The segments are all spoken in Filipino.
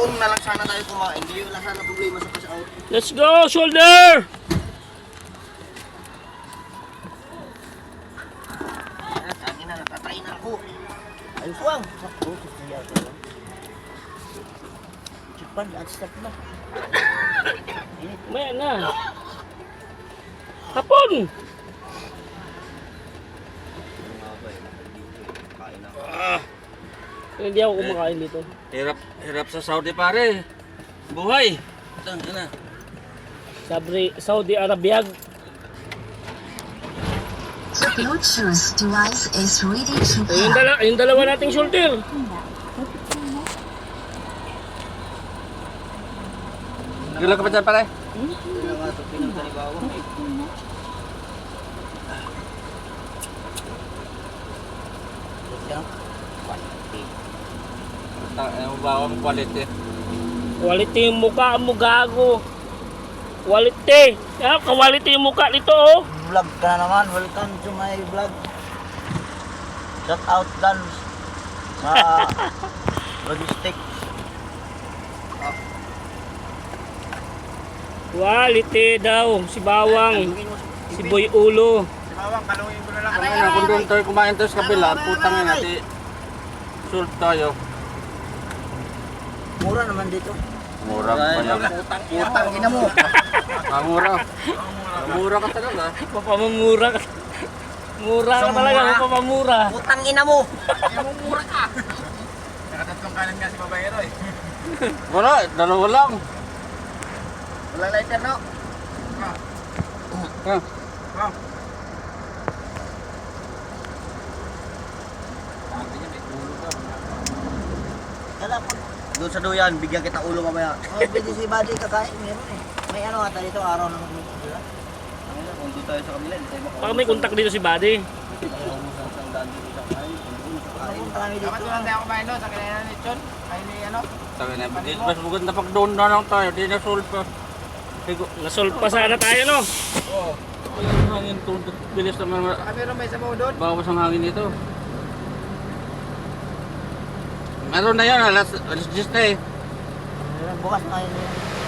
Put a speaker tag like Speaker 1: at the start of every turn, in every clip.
Speaker 1: doon na lang sana tayo kumain. Hindi wala sana problema sa cash out.
Speaker 2: Let's go, shoulder!
Speaker 1: Akin na, natatay na ako. Ayos lang. Sakto, siya ko lang. Chipan, at stop na.
Speaker 2: Maya na. Hapon! Hindi ako kumakain dito.
Speaker 3: Hirap sa Saudi pare. Buhay. Ito na.
Speaker 2: Saudi Arabia.
Speaker 4: Bluetooth device is ready to
Speaker 2: Yung dalawa nating shoulder.
Speaker 3: Gila ka pa dyan pare? Ang bawang quality.
Speaker 2: Quality yung mukha mo, gago. Quality. Quality yung mukha nito, oh.
Speaker 1: Vlog ka na naman. Welcome to my vlog. Shout out dan sa logistic.
Speaker 2: Quality daw. Si Bawang. Si Boy Ulo.
Speaker 1: Si Bawang, kalungin ko na lang.
Speaker 3: Kung doon tayo kumain tayo sa kabila, putang ina, di sult tayo.
Speaker 1: Mura naman dito.
Speaker 3: Mura pa yan.
Speaker 1: Utang ina mo.
Speaker 3: Mura. Mura ka talaga.
Speaker 2: Papamamura ka. Mura ka talaga, papamura.
Speaker 1: Utang ina mo.
Speaker 5: Mura ka. Nakatatlong kanan nga si Babayero eh.
Speaker 3: Wala, dalawa lang.
Speaker 1: Wala lighter, no?
Speaker 3: Ah.
Speaker 1: Kala po. Doon sa duyan, bigyan kita ulo mamaya. Oh, pwede si Buddy kakain. Meron eh. May ano ata dito, araw ng dito. Kung doon tayo sa kabila, hindi tayo makaulog.
Speaker 2: Baka may kontak dito si Buddy.
Speaker 1: Punta kami
Speaker 5: Dapat
Speaker 1: dito.
Speaker 5: naman tayo kumain doon sa kailangan ni Chon. Ay ni ano.
Speaker 3: Sabi na, di mas maganda pag doon na lang tayo, di na sult pa. Higo.
Speaker 2: Nasolve pa sana tayo, no?
Speaker 5: Oo.
Speaker 3: Ang hangin to, bilis naman.
Speaker 5: Baka meron may sabaw doon.
Speaker 3: Bawas ang hangin dito. Meron na yan, alas 10 na eh.
Speaker 1: Bukas na yun.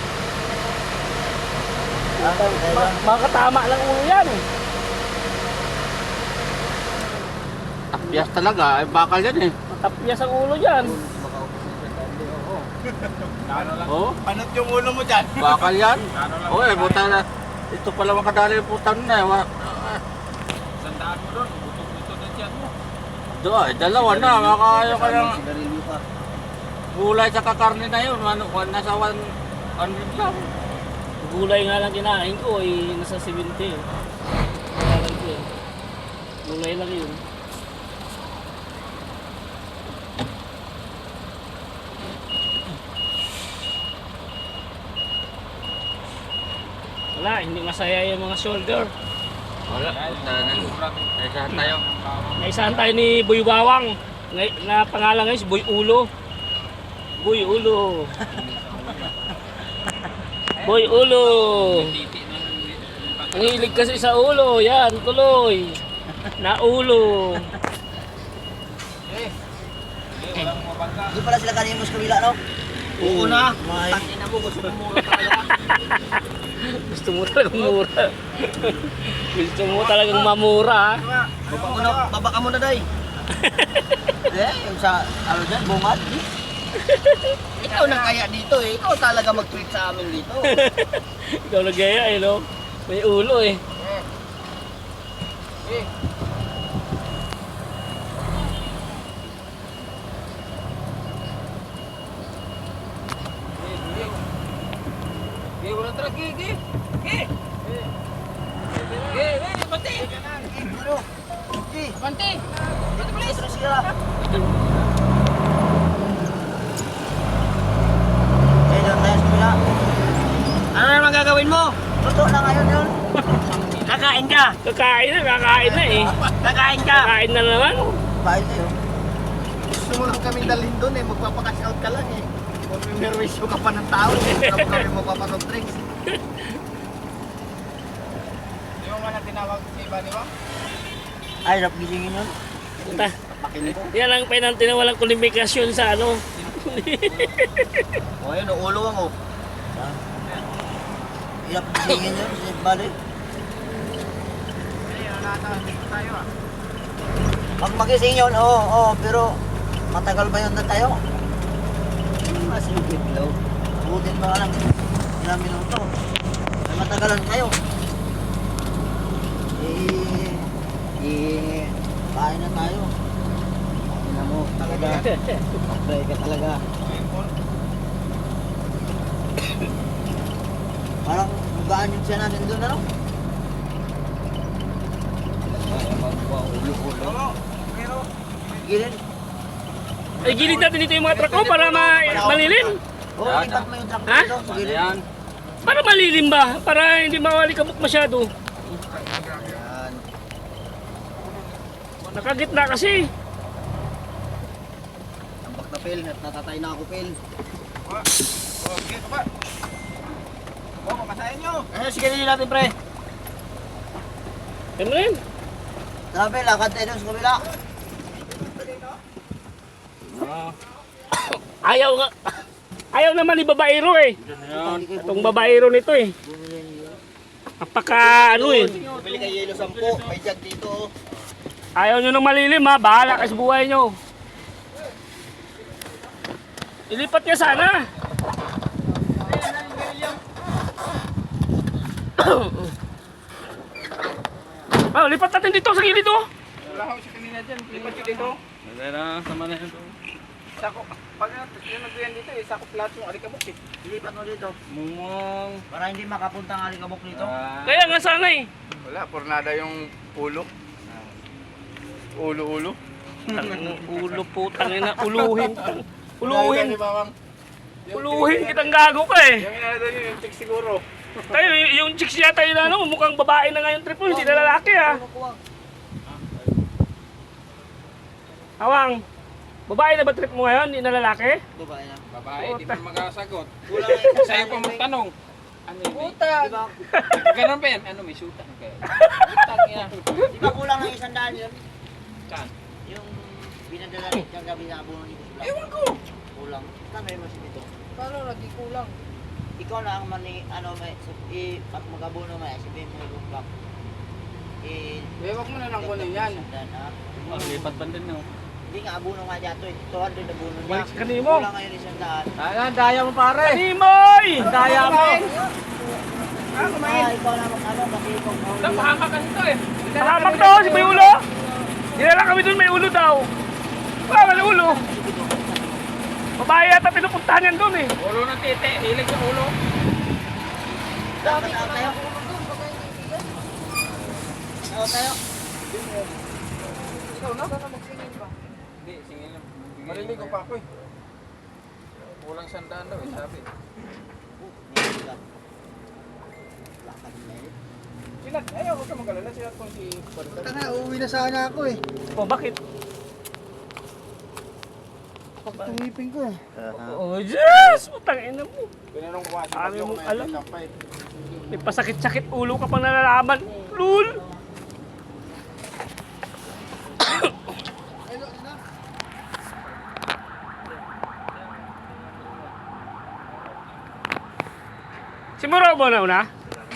Speaker 2: Makatama lang ulo yan.
Speaker 3: Tapyas talaga, ay bakal yan eh.
Speaker 2: Matapyas ang ulo dyan.
Speaker 3: Oh,
Speaker 5: Panot yung ulo mo dyan.
Speaker 3: bakal yan. Oh, eh, buta na. Ito pala makadali yung putang na eh.
Speaker 5: Sandaan mo doon. Buto-buto doon siya mo.
Speaker 3: Doon, ay, dalawa na. Makakayo ka ng
Speaker 1: Sigarilyo pa.
Speaker 3: gulay sa kakarne na yun. Nasa 100 lang.
Speaker 2: Gulay nga lang kinain ko, eh, nasa 70. Kaya lang ko eh. Gulay lang yun. Wala, hindi masaya yung mga shoulder.
Speaker 3: Wala, punta na. Ay, saan tayo?
Speaker 2: Naisahan tayo ni Boy Bawang. Na pangalan ngayon si Boy Ulo. Boy Ulo. Boy Ulo. Ang hilig kasi sa ulo. Yan, tuloy. Naulo.
Speaker 1: Hindi pala sila kanina mo sa kabila, no?
Speaker 2: Oo na.
Speaker 1: Tangina mo, gusto mo mura talaga.
Speaker 2: Gusto mo talagang mura. Gusto mo talagang mamura. Ha?
Speaker 1: Baba ka muna, day. Yung sa, ano dyan, bungad. Ikaw na kaya dito eh. Ikaw talaga mag-treat sa amin dito.
Speaker 2: Ikaw nagaya eh, no? May ulo eh.
Speaker 5: Wala tara, Gi. Bante. Bante.
Speaker 1: Dito please. Dito sila. Doon tayo sa kabila.
Speaker 2: Ano naman gagawin mo?
Speaker 1: Luto na ngayon yun.
Speaker 2: Kakain ka. Kakain na eh.
Speaker 1: Kakain ka.
Speaker 2: Kakain na naman.
Speaker 1: Bahay tayo.
Speaker 5: Gusto mo lang kaming dalhin doon eh. Magpapakash out ka lang eh. Kung may merwisyo ka pa ng tao, hindi mo kami magpapasok drinks. Di mo man na tinawag si iba, di ba?
Speaker 1: Ay, rap gisingin yun.
Speaker 2: Puta.
Speaker 1: Pakinig ko.
Speaker 2: Yan ang penalty na walang kulifikasyon sa ano.
Speaker 1: O ayun, ulo ang oh. Hirap gisingin yun, si Buddy. Pag magising yun, oo, pero matagal ba yun na tayo? Masilipid daw. Butin ba lang ilang minuto? Ay matagalan kayo. Kain na tayo. Kain na mo, talaga. Pag-pray ka talaga. Parang magaan yung siya natin doon, ano? Gilid.
Speaker 2: Ay, gilid natin dito yung mga truck ko para malilim.
Speaker 1: Oo, ipat mo yung truck
Speaker 2: Ha?
Speaker 1: dito. Sa
Speaker 3: Ano
Speaker 1: gilid.
Speaker 3: yan?
Speaker 2: Para malilim ba? Para hindi mawalikamok masyado.
Speaker 1: Yan.
Speaker 2: Nakagitna kasi.
Speaker 1: Tambak na Phil, at natatay na ako Phil.
Speaker 5: Okay, pa. Mamasahin nyo.
Speaker 1: Ano, sige din natin pre.
Speaker 2: Ano rin?
Speaker 1: Tara Phil, lakad tayo dun sa kabila.
Speaker 2: Ayaw nga. Ayaw naman ni babaero eh.
Speaker 3: Yan.
Speaker 2: Itong babaero nito eh. Napaka ano eh.
Speaker 1: Bili kay Yelo 10, may jug dito. Oh.
Speaker 2: Ayaw nyo nang malilim ha. Bahala kayo sa buhay nyo. Ilipat niya sana. Lipat natin dito sa gilid oh.
Speaker 5: Wala ako siya kanina dyan. Lipat ko dito.
Speaker 3: Wala, sama na yan.
Speaker 5: Sako. Pag yung nagbiyan dito eh, sakop lahat yung alikabok eh.
Speaker 1: Ilipat mo dito.
Speaker 3: Mumong.
Speaker 1: Para hindi makapunta ang alikabok dito.
Speaker 2: Kaya nga sana eh.
Speaker 5: Wala, pornada yung ulo. Ulo-ulo.
Speaker 2: Ulo putang ina. Uluhin. Uluhin.
Speaker 5: Bawang.
Speaker 2: Uluhin kitang gago ka eh.
Speaker 5: Yung inala doon yung chick siguro.
Speaker 2: Tayo, yung chicks yata yun ano, mukhang babae na nga yung trip mo, hindi na lalaki ah. Awang, babae na ba trip mo ngayon, hindi na lalaki?
Speaker 1: Babae na.
Speaker 3: Babae, di mo magkasagot.
Speaker 1: Kulang yung
Speaker 3: Sa'yo pa magtanong. Ano yun?
Speaker 1: Puta! Di ba,
Speaker 3: Ganun ba yan? Ano, may sutan kayo? Sutan yan.
Speaker 1: di ba kulang ng 100 yun?
Speaker 3: Saan?
Speaker 1: Yung binadala ni Tiyang gabi na abuno ni Kusla.
Speaker 3: Ewan ko.
Speaker 1: Kulang. Kano yung mas dito?
Speaker 5: Paano lagi kulang?
Speaker 1: Ikaw na ang mani, ano, may, pag mag-abuno may, sabihin mo yung block.
Speaker 5: Bewak mo na lang kunin yan.
Speaker 3: Lipat ba din no?
Speaker 1: Hindi nga abuno nga dyan to, 200 abuno niya.
Speaker 2: Balik sa kanimo.
Speaker 1: Kulang ngayon 100.
Speaker 3: Ayan, daya mo pare.
Speaker 2: Kanimoy!
Speaker 3: Daya mo.
Speaker 1: Ikaw na mag-ano, kasi ikaw
Speaker 3: Napahamak kasi ito eh.
Speaker 2: Mahamak daw si may ulo. Dinala kami dun, may ulo daw. Wala, may ulo. Babae yata pinupuntahan yan dun eh.
Speaker 3: Ulo ng titi, hilig yung ulo.
Speaker 1: Dapat out tayo. Out tayo.
Speaker 5: Ikaw na? Magsingin pa.
Speaker 3: Hindi, singin lang.
Speaker 5: Maliligo pa ako eh.
Speaker 3: Kulang sandaan daw eh, sabi.
Speaker 5: Sila, ayaw, huwag ka mag-alala. Sila kung si... Punta na, uuwi na sana ako eh.
Speaker 2: O bakit?
Speaker 5: Tumipin ko eh.
Speaker 2: Oh, Diyos! Putang ina mo.
Speaker 5: Pinanong ko kasi
Speaker 2: Ano mong alam?
Speaker 5: kampay.
Speaker 2: May pasakit-sakit ulo ka pang nalalaman. Lul! Si Muro ba na una?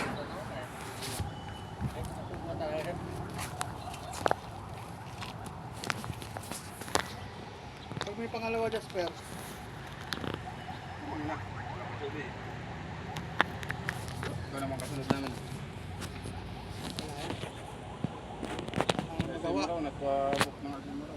Speaker 5: Pag may pangalawa, Jasper. Ikaw naman kasunod namin. Ang nagawa. Nagpa-book ng Agmamaraw.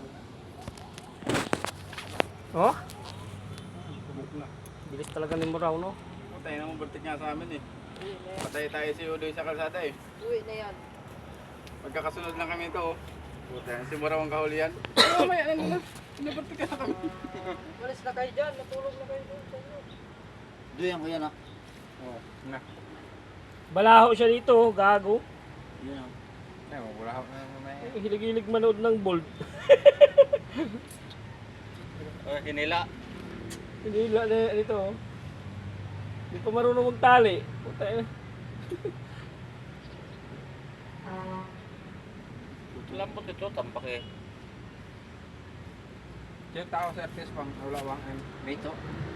Speaker 2: Oh?
Speaker 5: Book na.
Speaker 2: Bilis talaga ni Muraw, no?
Speaker 5: Patay na mo, bertik nga sa amin eh. Patay tayo si Udoy sa kalsada eh.
Speaker 1: Uwi na yan.
Speaker 5: Magkakasunod lang kami ito oh. Puta, si Muraw ang kahulihan. Oo, may ano na. Pinabertik na kami.
Speaker 1: Malis na kayo dyan. Natulog na kayo doon sa inyo. Duyan ko yan ah.
Speaker 5: Oo, na.
Speaker 2: Balaho siya dito, gago.
Speaker 1: Yun ah.
Speaker 5: Ay, wala ako na mamaya.
Speaker 2: Hilig-hilig manood ng bold.
Speaker 3: Hinila.
Speaker 2: Hindi na dito. Oh. Hindi pa marunong magtali. Puta ina.
Speaker 3: Lambot ito, tampak eh. Yung tao sa artist pang ulawang ang dito.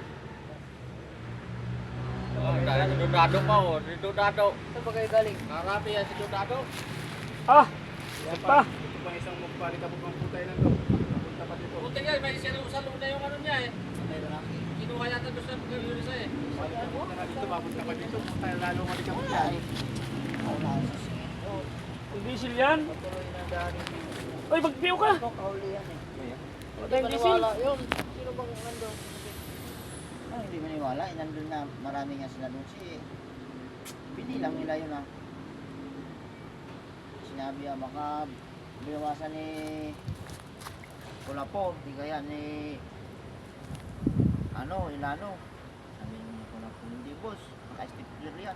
Speaker 3: Dahil si Dudado pa oh, si Dudado.
Speaker 5: Saan ba kayo galing?
Speaker 3: Karami yan si Dudado.
Speaker 2: Ah! Yan pa.
Speaker 5: Ito pa isang magpalit ako ng putay lang to. Napunta pa dito.
Speaker 3: Buti nga, may sinusal na yung ano niya eh. Kinuha yata doon sa Yurisa eh.
Speaker 5: Papunta na dito, papunta pa dito. Putay lalo ka dito.
Speaker 1: Wala eh. Wala sa singit.
Speaker 2: Yung diesel yan.
Speaker 5: Patuloy na daan.
Speaker 2: Uy, magpiyo ka.
Speaker 1: Ito, kahuli yan eh.
Speaker 2: Wala yung diesel.
Speaker 5: Yun. Sino bang nandun?
Speaker 1: Ah, hindi maniwala. Nandun na marami nga sila doon. Pinilang nila yun ah. Sinabi ah, baka binawasan ni Kulapo. Di kaya ni Ilano. Sabi ni Kulapo, hindi boss. Naka-stipler yan.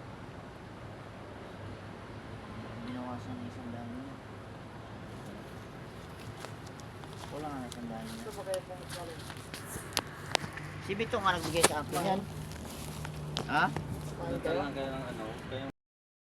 Speaker 1: Binawasan ni isang daan niya. Wala nga isang daan niya.
Speaker 5: Saan ba kayo galing?
Speaker 1: Si Bito nga nagbigay sa akin yan. Ha?
Speaker 3: Doon lang kayo ng ano, kayo